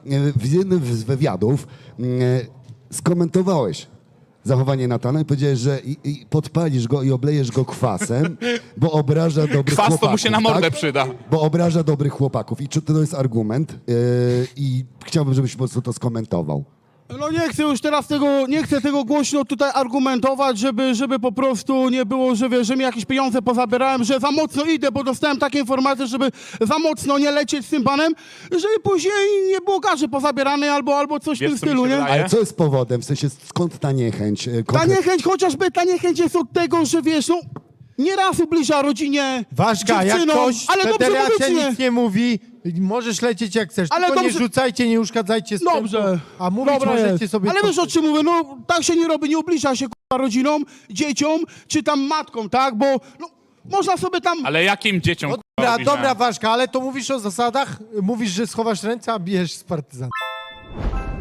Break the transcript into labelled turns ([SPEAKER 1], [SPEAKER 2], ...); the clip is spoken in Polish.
[SPEAKER 1] w jednym z wywiadów skomentowałeś zachowanie Natana i powiedziałeś, że i podpalisz go i oblejesz go kwasem, bo obraża dobrych
[SPEAKER 2] Kwas
[SPEAKER 1] chłopaków.
[SPEAKER 2] to mu się na mordę
[SPEAKER 1] tak?
[SPEAKER 2] przyda.
[SPEAKER 1] Bo obraża dobrych chłopaków. I czy to jest argument? I chciałbym, żebyś po prostu to skomentował.
[SPEAKER 3] No nie chcę już teraz tego, nie chcę tego głośno tutaj argumentować, żeby po prostu nie było, że wiesz, że mi jakieś pieniądze pozabierałem, że za mocno idę, bo dostałem takie informacje, żeby za mocno nie lecieć z tym panem, żeby później nie było garzy pozabierane albo coś w
[SPEAKER 2] Wiesz,
[SPEAKER 3] tym
[SPEAKER 2] co mi
[SPEAKER 3] stylu,
[SPEAKER 2] się
[SPEAKER 3] nie?
[SPEAKER 2] wydaje?
[SPEAKER 1] Ale co jest powodem? W sensie skąd ta niechęć?
[SPEAKER 3] Ta niechęć, chociażby ta niechęć jest od tego, że wiesz, no nieraz ubliża rodzinie,
[SPEAKER 4] Ważka, jak
[SPEAKER 3] dziewczynom,
[SPEAKER 4] ktoś,
[SPEAKER 3] ale dobrze
[SPEAKER 4] federacja
[SPEAKER 3] mówicie.
[SPEAKER 4] nic nie mówi, możesz lecieć jak chcesz,
[SPEAKER 3] Ale
[SPEAKER 4] tylko
[SPEAKER 3] dobrze-
[SPEAKER 4] nie rzucajcie, nie uszkadzajcie sprzętu,
[SPEAKER 3] Dobrze.
[SPEAKER 4] a mówić
[SPEAKER 3] Dobra
[SPEAKER 4] możecie
[SPEAKER 3] jest.
[SPEAKER 4] sobie...
[SPEAKER 3] Ale
[SPEAKER 4] co
[SPEAKER 3] wiesz o czym mówię, no tak się nie robi, nie ubliża się k***a rodzinom, dzieciom, czy tam matkom, tak? Bo no, można sobie tam...
[SPEAKER 2] Ale jakim dzieciom
[SPEAKER 4] No
[SPEAKER 2] kurwa,
[SPEAKER 4] dobra,
[SPEAKER 2] robisz,
[SPEAKER 4] dobra
[SPEAKER 2] że-
[SPEAKER 4] Ważka, ale to mówisz o zasadach, mówisz, że schowasz ręce, a bijesz z partyzantów.